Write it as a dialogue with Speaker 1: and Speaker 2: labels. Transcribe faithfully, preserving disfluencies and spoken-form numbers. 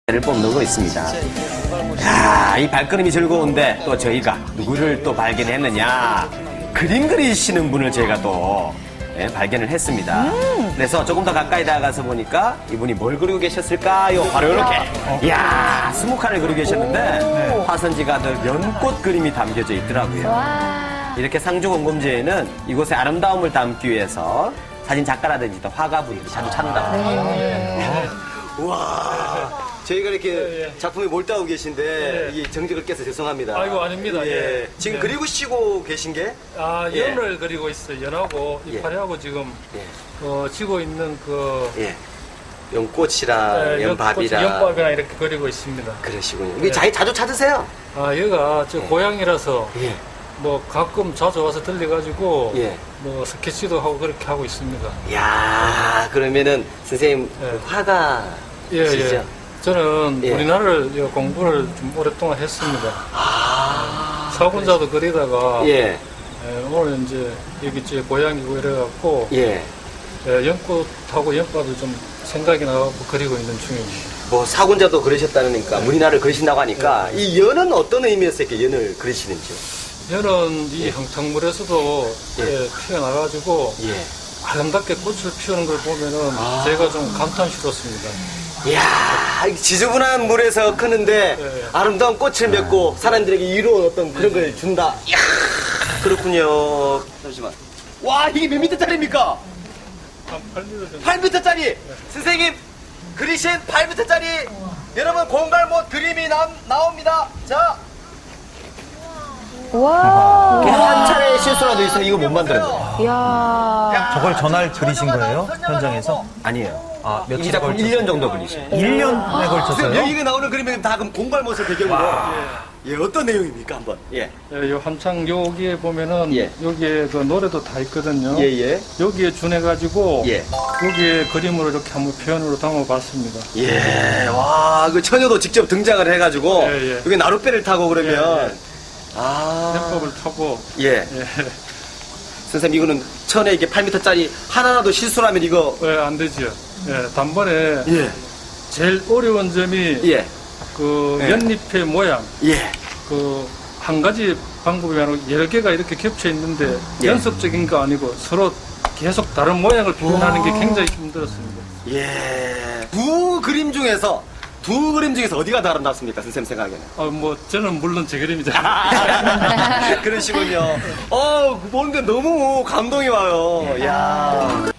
Speaker 1: 를 뽑는 있습니다. 야, 이 발걸음이 즐거운데 또 저희가 누구를 또 발견했느냐? 그림 그리시는 분을 저희가 또 예, 발견을 했습니다. 음. 그래서 조금 더 가까이 다가가서 보니까 이분이 뭘 그리고 계셨을까요? 바로 이렇게. 어. 이야, 스무 칸을 그리고 계셨는데 네. 화선지가 늘 연꽃 그림이 담겨져 있더라고요. 와. 이렇게 상주공금제에는 이곳의 아름다움을 담기 위해서 사진 작가라든지 또 화가분들이 자주 찾는다고 합니다. 네. 우와. 저희가 이렇게 예, 예. 작품에 몰두하고 계신데 예. 이 정적을 깨서 죄송합니다.
Speaker 2: 아이고 아닙니다.
Speaker 1: 예.
Speaker 2: 예.
Speaker 1: 지금
Speaker 2: 예.
Speaker 1: 그리고 쉬고 계신 게?
Speaker 2: 아
Speaker 1: 예.
Speaker 2: 연을 그리고 있어요. 연하고
Speaker 1: 예.
Speaker 2: 이파리하고 지금
Speaker 1: 예.
Speaker 2: 어, 지고 있는 그
Speaker 1: 예. 연꽃이랑
Speaker 2: 예,
Speaker 1: 연밥이랑
Speaker 2: 연밥이랑 이렇게 그리고 있습니다.
Speaker 1: 그러시군요. 이게 자기 자주 찾으세요?
Speaker 2: 아 여기가 저
Speaker 1: 예.
Speaker 2: 고향이라서
Speaker 1: 예.
Speaker 2: 뭐 가끔 자주 와서 들려가지고
Speaker 1: 예.
Speaker 2: 뭐 스케치도 하고 그렇게 하고 있습니다.
Speaker 1: 야, 그러면은 선생님
Speaker 2: 예.
Speaker 1: 화가시죠?
Speaker 2: 예, 예. 저는
Speaker 1: 예.
Speaker 2: 우리나라를 공부를 좀 오랫동안 했습니다.
Speaker 1: 아.
Speaker 2: 사군자도 그리다가
Speaker 1: 예.
Speaker 2: 예, 오늘 이제 여기 제 고향이고 이래갖고
Speaker 1: 예.
Speaker 2: 예, 연꽃하고 연밥을 좀 생각이 나고 그리고 있는 중입니다.
Speaker 1: 뭐 사군자도 그러셨다니까 무리나를 그리신다고 하니까
Speaker 2: 예.
Speaker 1: 이 연은 어떤 의미에서 이렇게 연을 그리시는지요?
Speaker 2: 연은 이 형탕물에서도
Speaker 1: 예.
Speaker 2: 예, 피어나가지고
Speaker 1: 예.
Speaker 2: 아름답게 꽃을 피우는 걸 보면은
Speaker 1: 아.
Speaker 2: 제가 좀 감탄스럽습니다.
Speaker 1: 이야, 지저분한 물에서 크는데
Speaker 2: 예.
Speaker 1: 아름다운 꽃을 맺고 사람들에게 이로운 어떤 그런 걸 준다. 이야, 그렇군요. 잠시만. 와, 이게 몇 미터짜리입니까?
Speaker 2: 한 팔 미터 정도.
Speaker 1: 팔 미터짜리. 선생님 그리신 팔 미터짜리. 여러분 공갈못 그림이 나, 나옵니다. 자.
Speaker 3: 와.
Speaker 1: 한 차례 실수라도 있으면 이거 못 만들어요.
Speaker 3: 이야.
Speaker 4: 저걸 전화를 그리신 거예요? 현장에서?
Speaker 1: 아니에요.
Speaker 4: 아,
Speaker 1: 이
Speaker 4: 며칠
Speaker 1: 작품
Speaker 4: 걸쳐서?
Speaker 1: 일 년 정도 걸리죠.
Speaker 4: 일 년에 걸쳤어요?
Speaker 1: 여기가 나오는 그림은 다 그럼 공갈못을 배경으로. 예, 어떤 내용입니까 한번? 예.
Speaker 2: 예, 요 한창 여기에 보면은
Speaker 1: 예.
Speaker 2: 여기에 그 노래도 다 있거든요.
Speaker 1: 예, 예.
Speaker 2: 여기에 준해가지고
Speaker 1: 예.
Speaker 2: 여기에 그림으로 이렇게 한번 표현으로 담아봤습니다.
Speaker 1: 예, 와, 그 처녀도 직접 등장을 해가지고
Speaker 2: 예, 예.
Speaker 1: 여기 나룻배를 타고 그러면
Speaker 2: 예, 예.
Speaker 1: 아,
Speaker 2: 해법을 타고
Speaker 1: 예.
Speaker 2: 예,
Speaker 1: 선생님 이거는 천에 이게 팔 미터짜리 하나라도 실수라면 이거
Speaker 2: 예, 안 되죠. 예, 단번에
Speaker 1: 예,
Speaker 2: 제일 어려운 점이
Speaker 1: 예,
Speaker 2: 그
Speaker 1: 예.
Speaker 2: 연잎의 모양.
Speaker 1: 예,
Speaker 2: 그 한 가지 방법이 아니고 여러 개가 이렇게 겹쳐 있는데
Speaker 1: 예.
Speaker 2: 연속적인 거 아니고 서로 계속 다른 모양을 표현하는 게 굉장히 힘들었습니다.
Speaker 1: 예. 두 그림 중에서 두 그림 중에서 어디가 더 아름답습니까, 선생님 생각에는?
Speaker 2: 아, 뭐 저는 물론 제 그림이죠.
Speaker 1: 그러시군요. 어, 보는데 너무 감동이 와요. 야.